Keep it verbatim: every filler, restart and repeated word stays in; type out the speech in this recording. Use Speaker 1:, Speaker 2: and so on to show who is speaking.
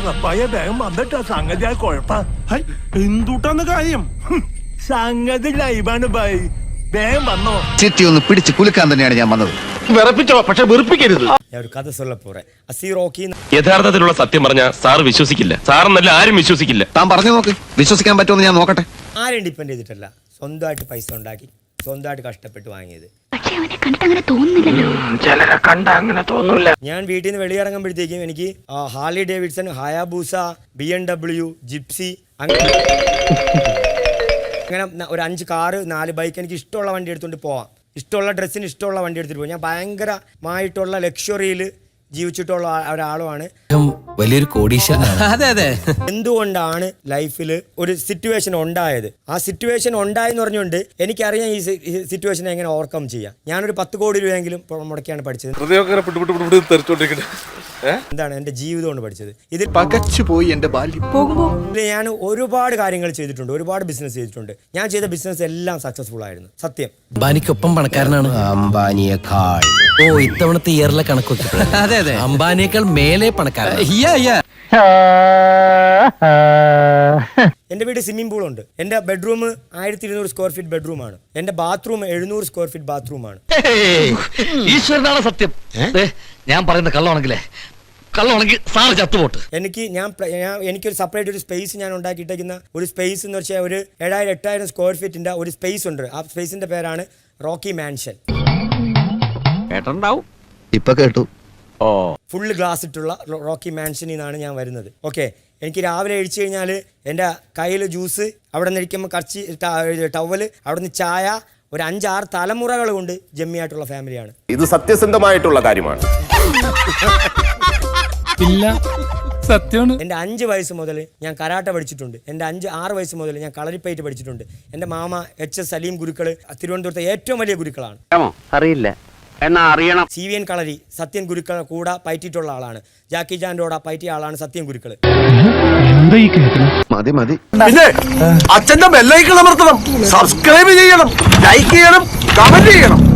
Speaker 1: അറപ്പായ വേഗം വന്നിട്ടാ സംഗതി ആ കുഴപ്പ
Speaker 2: എന്തുട്ടാന്ന് കാര്യം?
Speaker 1: സംഗതി ലൈവാണ് ബൈ, വേഗം വന്നോ.
Speaker 3: ചിട്ടി ഒന്ന് പിടിച്ച് കുലുക്കാൻ തന്നെയാണ് ഞാൻ വന്നത്.
Speaker 4: വിറപ്പിച്ചോ, പക്ഷെ വെറുപ്പിക്കരുത്.
Speaker 5: കഥ சொல்ல போறேன். അസി റോക്കി
Speaker 6: യഥാർത്ഥത്തിലുള്ള സത്യം പറഞ്ഞാൽ സാർ വിശ്വസിക്കില്ല. സാറെന്നല്ല ആരും വിശ്വസിക്കില്ല.
Speaker 3: താൻ പറഞ്ഞു നോക്ക്, വിശ്വസിക്കാൻ പറ്റുമെന്ന് ഞാൻ നോക്കട്ടെ.
Speaker 5: ആരും ഡിപ്പെൻഡ് ചെയ്തിട്ടല്ല, സ്വന്തമായിട്ട് പൈസ ഉണ്ടാക്കി സ്വന്തമായിട്ട് കഷ്ടപ്പെട്ട് വാങ്ങിയത്.
Speaker 4: ചിലരെ കണ്ട അങ്ങനെ തോന്നൂല.
Speaker 5: ഞാൻ വീട്ടിൽ നിന്ന് വെളിയിറങ്ങുമ്പോഴത്തേക്കും എനിക്ക് Harley Davidson, Hayabusa, B M W, Gypsy, അങ്ങനെ അങ്ങനെ ഒരു അഞ്ച് കാറ്, നാല് ബൈക്ക്, എനിക്ക് ഇഷ്ടമുള്ള വണ്ടി എടുത്തുകൊണ്ട് പോവാം. ഇഷ്ടമുള്ള ഡ്രസ്സിന് ഇഷ്ടമുള്ള വണ്ടി എടുത്തിട്ട് പോകും. ഞാൻ ഭയങ്കരമായിട്ടുള്ള ലക്ഷറിയിൽ ജീവിച്ചിട്ടുള്ള ഒരാളുമാണ്.
Speaker 7: വലിയൊരു കോടീശ്വരനാണ്. അതെ അതെ.
Speaker 5: എന്തുകൊണ്ടാണ് ലൈഫിൽ ഒരു സിറ്റുവേഷൻ ഉണ്ടായത്? ആ സിറ്റുവേഷൻ ഉണ്ടായെന്ന് പറഞ്ഞുകൊണ്ട് എനിക്കറിയാം ഈ സിറ്റുവേഷനെ എങ്ങനെ ഓവർകം ചെയ്യാം. ഞാനൊരു പത്ത് കോടി രൂപയെങ്കിലും മുടക്കിയാണ് പഠിച്ചത്. എന്താണ് എന്റെ ജീവിതം കൊണ്ട് പഠിച്ചത്. ഇത്
Speaker 4: പകച്ചുപോയി എന്റെ ബാല്യം.
Speaker 5: ഞാൻ ഒരുപാട് കാര്യങ്ങൾ ചെയ്തിട്ടുണ്ട്, ഒരുപാട് ബിസിനസ് ചെയ്തിട്ടുണ്ട്. ഞാൻ ചെയ്ത ബിസിനസ് എല്ലാം സക്സസ്ഫുൾ ആയിരുന്നു, സത്യം.
Speaker 7: അംബാനിക്കൊപ്പം പണക്കാരനാണ്. അംബാനിയേക്കാൾ ഓ ഇത്തവണത്തെ ഇയറിലെ കണക്കൊക്കെ അതെ അതെ അംബാനിയേക്കാൾ മേലെ പണക്കാരൻ.
Speaker 5: എന്റെ വീട് സ്വിമ്മിംഗ് പൂൾ ഉണ്ട്. എന്റെ ബെഡ്റൂം ആയിരത്തി ഇരുന്നൂറ് സ്ക്വയർ ഫീറ്റ് ബെഡ്റൂമാണ്. എന്റെ ബാത്റൂം എഴുന്നൂറ് സ്ക്വയർ ഫീറ്റ് ബാത്റൂമാണ്.
Speaker 8: ഈശ്വരനാണ് സത്യം. ഞാൻ പറയുന്ന കള്ളമാണെങ്കിലേ കള്ളമാണെങ്കിൽ സാറ് ചത്തുപോട്ട്.
Speaker 5: എനിക്ക് ഞാൻ എനിക്കൊരു സെപ്പറേറ്റ് ഒരു സ്പേസ് ഞാൻ ഉണ്ടാക്കിയിട്ടേക്കുന്ന ഒരു സ്പേസ് എന്ന് വെച്ചാൽ ഒരു ഏഴായിരം എട്ടായിരം സ്ക്വയർ ഫീറ്റിന്റെ ഒരു സ്പേസ് ഉണ്ട്. ആ സ്പേസിന്റെ പേരാണ് റോക്കി മാൻഷൻ.
Speaker 3: കേട്ടുണ്ടാവും, ഇപ്പൊ കേട്ടു.
Speaker 4: ഓ,
Speaker 5: ഫുള്ള് ഗ്ലാസ് ഇട്ടുള്ള റോക്കി മാൻഷനിൽ നിന്നാണ് ഞാൻ വരുന്നത്. ഓക്കെ, എനിക്ക് രാവിലെ കഴിച്ചു കഴിഞ്ഞാൽ എൻ്റെ കയ്യിൽ ജ്യൂസ്, അവിടെ നിന്ന് ഇരിക്കുമ്പോൾ കറച്ചി ടവല്, അവിടെ നിന്ന് ചായ, ഒരു അഞ്ചാറ് തലമുറകൾ കൊണ്ട് ജമ്മിയായിട്ടുള്ള ഫാമിലിയാണ്.
Speaker 9: ഇത് സത്യസന്ധമായിട്ടുള്ള കാര്യമാണ്.
Speaker 5: എൻ്റെ അഞ്ച് വയസ്സ് മുതൽ ഞാൻ കരാട്ട പഠിച്ചിട്ടുണ്ട്. എൻ്റെ അഞ്ച് ആറ് വയസ്സ് മുതൽ ഞാൻ കളരിപ്പയറ്റ് പഠിച്ചിട്ടുണ്ട്. എൻ്റെ മാമ എച്ച് എസ് സലീം ഗുരുക്കൾ തിരുവനന്തപുരത്തെ ഏറ്റവും വലിയ ഗുരുക്കളാണ്.
Speaker 8: അറിയില്ല എന്നാ അറിയണം.
Speaker 5: C V N Kalari Sathyan ഗുരുക്കൾ കൂടെ പയറ്റിയിട്ടുള്ള ആളാണ്. ജാക്കി ജാൻഡോടെ പയറ്റിയ ആളാണ് സത്യൻ ഗുരുക്കൾ.
Speaker 3: മതി മതി.
Speaker 4: പിന്നെ അച്ഛന്റെ ബെല്ലൈക്കൺ അമർത്തണം, സബ്സ്ക്രൈബ് ചെയ്യണം, ലൈക്ക് ചെയ്യണം, കമന്റ് ചെയ്യണം.